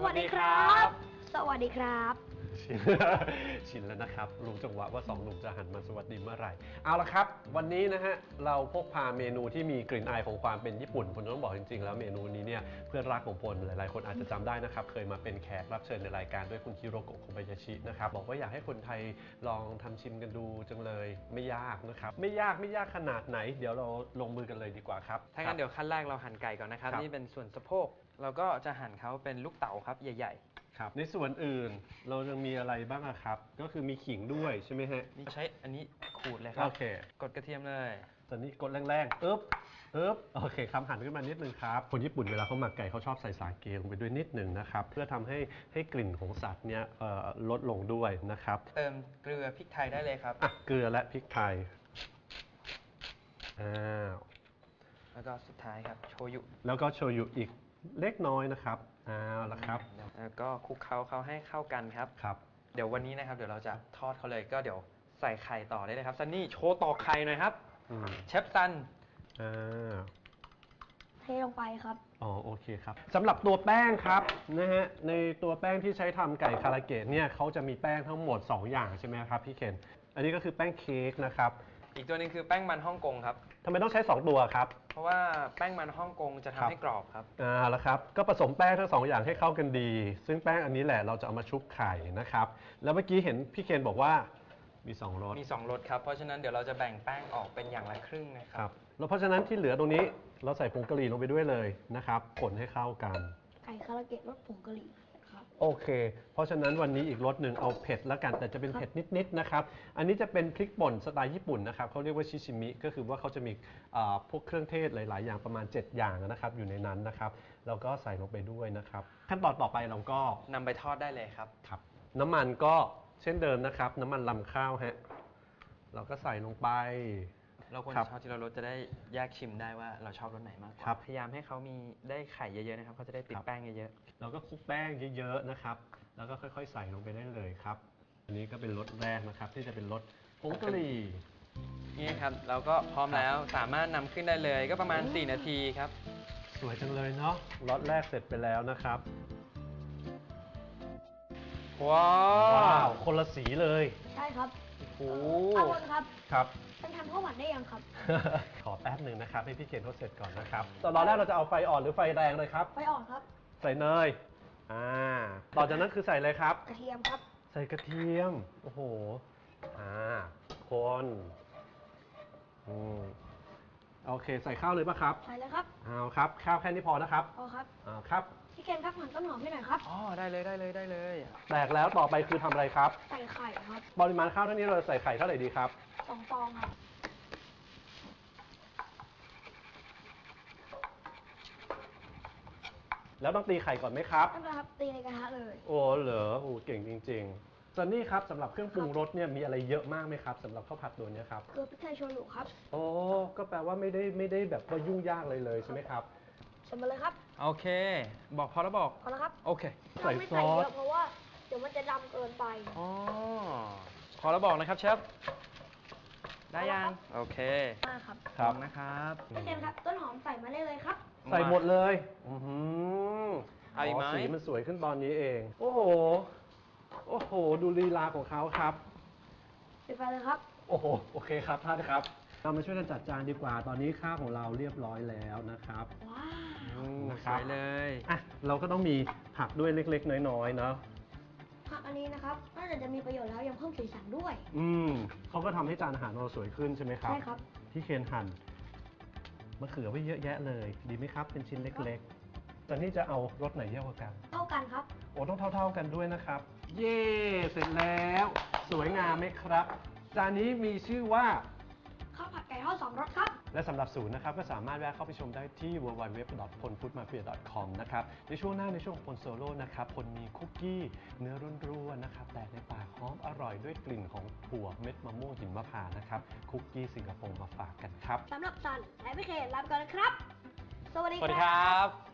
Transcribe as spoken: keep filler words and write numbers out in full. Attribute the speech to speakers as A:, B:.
A: วัสดีครับสวัสดีครับ
B: ชินชินแล้วนะครับรู้จังหวะว่าสองหนุ่มจะหันมาสวัสดีเมื่อไหร่เอาละครับวันนี้นะฮะเราพกพาเมนูที่มีกลิ่นอายของความเป็นญี่ปุ่นผมต้องบอกจริงๆแล้วเมนูนี้เนี่ยเพื่อนรักของพลหลายๆคนอาจจะจำได้นะครับเคยมาเป็นแขกรับเชิญในรายการด้วยคุณฮิโรโกะ โคบายาชินะครับบอกว่าอยากให้คนไทยลองทำชิมกันดูจังเลยไม่ยากนะครับไม่ยากไม่ยากขนาดไหนเดี๋ยวเราลงมือกันเลยดีกว่าครับ
C: ถ้างั้นเดี๋ยวขั้นแรกเราหั่นไก่ก่อนนะครับนี่เป็นส่วนสะโพกเราก็จะหั่นเขาเป็นลูกเต๋าครับใหญ่ๆ
B: ครับในส่วนอื่นเรายังมีอะไรบ้างครับก็คือมีขิงด้วยใช่ไหมฮะ
C: นี่ใช้อันนี้ขูดเลยครับ
B: โอเค
C: กดกระเทียมเลย
B: ตอนนี้กดแรงๆอึ๊บอึ๊บโอเคครับหั่นขึ้นมานิดนึงครับคนญี่ปุ่นเวลาเขาหมักไก่เขาชอบใส่สาเกลงไปด้วยนิดนึงนะครับเพื่อทำให้ให้กลิ่นของสัตว์เนี่ยลดลงด้วยนะครับ
C: เติมเกลือพริกไทยได้เลยครับ
B: อ่ะเกลือและพริกไทยอ้าว
C: แล้วก็สุดท้ายครับโชยุ
B: แล้วก็โชยุอีกเล็กน้อยนะครับเอาละครับ
C: แล้วก็คลุกเคล้าเขาให้เข้ากันครับ
B: ครับ
C: เดี๋ยววันนี้นะครับเดี๋ยวเราจะทอดเขาเลยก็เดี๋ยวใส่ไข่ต่อได้เลยครับซันนี่โชว์ตอกไข่หน่อยครับเชฟซัน
B: อ่า
A: เทลงไปครับ
B: อ๋อโอเคครับสำหรับตัวแป้งครับนะฮะในตัวแป้งที่ใช้ทำไก่คาราเกะเนี่ยเขาจะมีแป้งทั้งหมดสองอย่างใช่ไหมครับพี่เคนอันนี้ก็คือแป้งเค้กนะครับ
C: อีกตัวนึงคือแป้งมันฮ่องกงครับ
B: ทำไมต้องใช้สองตัวครับ
C: เพราะว่าแป้งมันฮ่องกงจะทำให้กรอบครับ
B: อ่าแล้วครับก็ผสมแป้งทั้งสองอย่างให้เข้ากันดีซึ่งแป้งอันนี้แหละเราจะเอามาชุบไข่นะครับแล้วเมื่อกี้เห็นพี่เคนบอกว่ามีสองรส
C: มีสองรสครับเพราะฉะนั้นเดี๋ยวเราจะแบ่งแป้งออกเป็นอย่างละครึ่งนะครับ
B: แล้วเพราะฉะนั้นที่เหลือตรงนี้เราใส่ผงกะหรี่ลงไปด้วยเลยนะครับคนให้เข้ากัน
A: ไก่คาราเกะรสผงกะหรี่ครับ
B: โอเคเพราะฉะนั้นวันนี้อีกรสหนึ่งเอาเผ็ดแล้วกันแต่จะเป็นเผ็ดนิดๆนะครับอันนี้จะเป็นพริกป่นสไตล์ญี่ปุ่นนะครับเขาเรียกว่าชิชิมิก็คือว่าเขาจะมีพวกเครื่องเทศหลายๆอย่างประมาณเจ็ดอย่างนะครับอยู่ในนั้นนะครับแล้วก็ใส่ลงไปด้วยนะครับขั้นตอนต่อไปเราก็
C: นำไปทอดได้เลยครับ
B: ครับน้ำมันก็เช่นเดิมนะครับน้ำมันลำข้าวฮะเราก็ใส่ลงไป
C: เราควรชอบที่เรารสจะได้แยกชิมได้ว่าเราชอบรสไหนมากกว่าพยายามให้เขามีได้ไข่เยอะๆนะครับเขาจะได้ติดแป้งเยอะ
B: ๆเราก็คลุกแป้งเยอะๆนะครับแล้วก็ค่อยๆใส่ลงไปได้เลยครับอันนี้ก็เป็นรสแรกนะครับที่จะเป็นรสผงกะหรี่
C: นี่ครับเราก็พร้อมแล้วสามารถนำขึ้นได้เลยก็ประมาณสี่นาทีครับ
B: สวยจังเลยเนาะรสแรกเสร็จไปแล้วนะครับ
C: ว้าว
B: คนละสีเลย
A: ใช่ครับ
B: โอ้
A: อาวนครับ
B: ครับ
A: เป็นทำข้าวหวานได้ยังครับ
B: ขอแป๊บหนึ่งนะครับให้พี่เคนเขาเสร็จก่อนนะครับตอนแรกเราจะเอาไฟอ่อนหรือไฟแรงเลยครับ
A: ไฟอ่อนครับ
B: ใส่เนยอ่าต่อจากนั้นคือใส่อะไรครับ
A: กระเทียมครับ
B: ใส่กระเทียมโอ้โหอ่าคนอืมโอเคใส่ข้าวเลยป่ะครับ
A: ใส่เลยครับ
B: เอาครับข้าวแค่นี้พอนะครับ
A: พอครับ
B: อ่าครับ
A: พี่เคนครับหั่นต้นหอมให้หน่อยครับ
C: อ๋อได้เลยได้เลยได้เลย
B: แตกแล้วต่อไปคือทำอะไรครับ
A: ใส่ไข่ครับ
B: ปริมาณข้าวเท่านี้เราใส่ไข่เท่าไหร่ดีครับ
A: สองฟองครับ
B: แล้วต้องตีไข่ก่อนไหมครับ
A: ต้องครับตีในกระทะเลย
B: โอ้เหรอโอ้เก่งจริงๆซันนี่ครับสำหรับเครื่องปรุงรสเนี่ยมีอะไรเยอะมากไหมครับสำหรับข้าวผัดตัวนี้ครับ
A: เกลือพริกไทยโชยุครับ
B: โอ้ก็แปลว่าไม่ได้ไม่ได้แบบว่ายุ่งยากเลยเลยใช่ไหมครับ
A: ใส่มาเลยครับ
C: โอเคบอกพอแล้วบอก
A: พอแล้วครับ
C: โอเค
A: ใส่ไม่ใส่เยอะเพราะว่าเดี๋ยวมันจะดำเกินไป
C: อ๋อพอแล้วบอกนะครับเชฟได้ยังโอเค
A: มาครับ
B: ครับ
C: นะครับ
A: พี่เคนครับต้นหอมใส่มาได้เลยครับ
B: ใส่หมดเลยอือ
C: เอาอีกไหม
B: สีมันสวยขึ้นตอนนี้เองโอ้โหโอ้โหดูลีลาของเขาครับ
A: ปิดไฟเลยครับ
B: โอ้โหโอเคครับท่านครับเรามาช่วยกันจัดจานดีกว่าตอนนี้ข้าวของเราเรียบร้อยแล้วนะครับ
A: ว้าว
C: สวยเลย
B: อ่ะเราก็ต้องมีผักด้วยเล็กๆน้อยๆเนาะ
A: ผักอันนี้นะครับนอกจากจะมีประโยชน์แล้วยังเพิ่มสีสันด้วย
B: อืมเขาก็ทำให้จานอาหารเราสวยขึ้นใช่ไหมครับ
A: ใช่ครับ
B: ที่เคนหั่นมะเขือไว้เยอะแยะเลยดีไหมครับเป็นชิ้นเล็กๆตอนนี้จะเอารสไหนเยอะกว่ากัน
A: เท่ากันครับ
B: โอ้ต้องเท่าๆกันด้วยนะครับเย่เสร็จแล้วสวยงามไหมครับจานนี้มีชื่อว่า
A: ข้าวผัดไก่ทอดสองรสครับ
B: และสำหรับศูนย์นะครับก็สามารถแวะเข้าไปชมได้ที่ ดับเบิลยู ดับเบิลยู ดับเบิลยู ดอท พลฟู้ดมาเฟีย ดอท คอม นะครับในช่วงหน้าในช่วงของพลโซโล่นะครับพลมีคุกกี้เนื้อร่วนๆนะครับแต่ในปากหอมอร่อยด้วยกลิ่นของถั่วเม็ดมะม่วงหิมพานต์นะครับคุกกี้สิงคโปร์มาฝากกันครับ
A: สำหรับซันและพี่เคนลาไปก่อนนะครับสวัสดี
C: ครับ